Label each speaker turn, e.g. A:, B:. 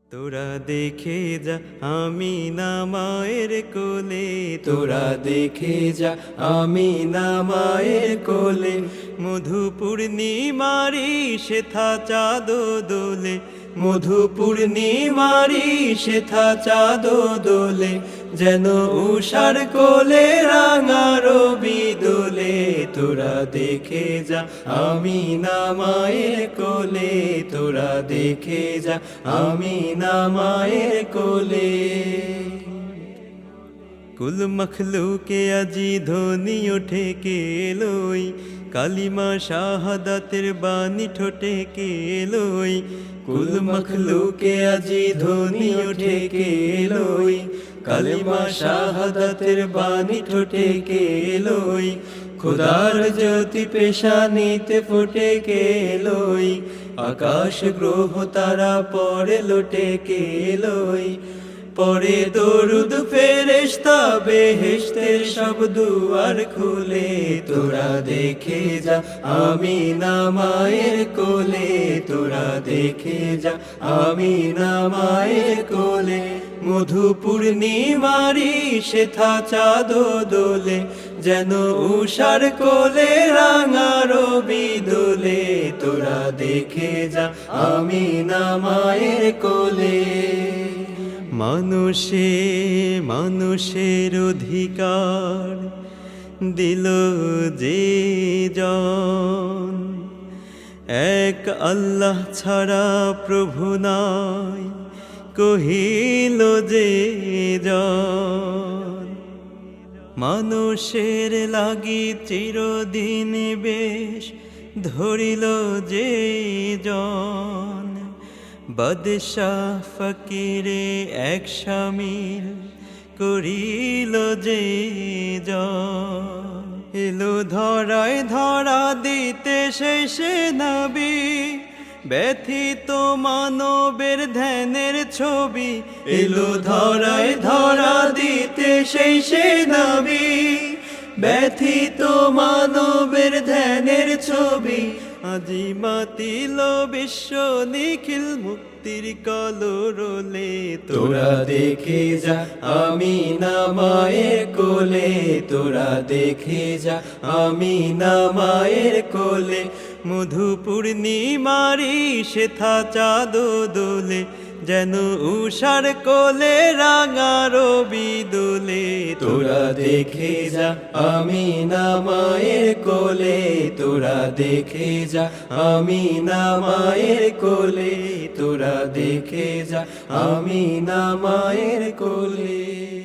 A: তোরা দেখে যা আমি না মায়ের কোলে, তোরা দেখে যা আমি না মায়ের কোলে। মধু পূর্ণিমারি শেথা চাঁদ দোলে, মধু পূর্ণিমারি শেথা চাঁদ দোলে। যেন উষার কোলে রাঙা রবি দোলে। তোরা দেখে যা আমি না মায়ের কোলে, তোরা দেখে যা আমি না মায়ের কোলে। কুল মখলুকে আজি ধ্বনি ওঠে কে এলোই, কালিমা শাহাদাতের বাণী ঠোঁটে কে এলোই। কুল মখলুকে আজি ধ্বনি ওঠে কে এলোই, কালিমা শাহাদাতের বাণী ঠোঁটে কে এলোই। খোদার জ্যোতি পেশানিতে ফুটে কে এলোই, আকাশ গ্রহ তারা পরে লোটে কে এলোই। পরে দরুদ ফেরেশতা বেহেশতের সব দুয়ার খুলে। তোরা দেখে যা আমি না মায়ের কোলে, তোরা দেখে যা আমি না মায়ের কোলে। মধু পূর্ণিমারি শেথা চাঁদ দোলে, যেন উষার কোলে রাঙা রবি দোলে। তোরা দেখে যা আমি না মায়ের কোলে। মানুষে মানুষের অধিকার দিল যে জন, এক আল্লাহ ছাড়া প্রভু নাই কহিল যে জন। মানুষের লাগি চিরদিন বেশ ধরিল যে জন, বাদশাহ ফকিরে এক শামিল করিল যে জন। এলো ধরায় ধরা দিতে শেষে নবী, ব্যথিত মানবের ধ্যানের ছবি। এলো ধরায় ধরা দিতে শেষে নবী, ব্যথিত মানবের ধ্যানের ছবি। আজি মাতিল বিশ্ব নিখিল মুক্তির কলরোলে। তোরা দেখে যা আমি না মায়ের কোলে, তোরা দেখে যা আমি না মায়ের কোলে। মধু পূর্ণিমারি শেথা চাঁদ দোলে, যেন উষার কোলে রাঙা রবি দোলে। তোরা দেখে যা আমি না মায়ের কোলে, তোরা দেখে যা আমি না মায়ের কোলে। তোরা দেখে যা আমি না মায়ের কোলে।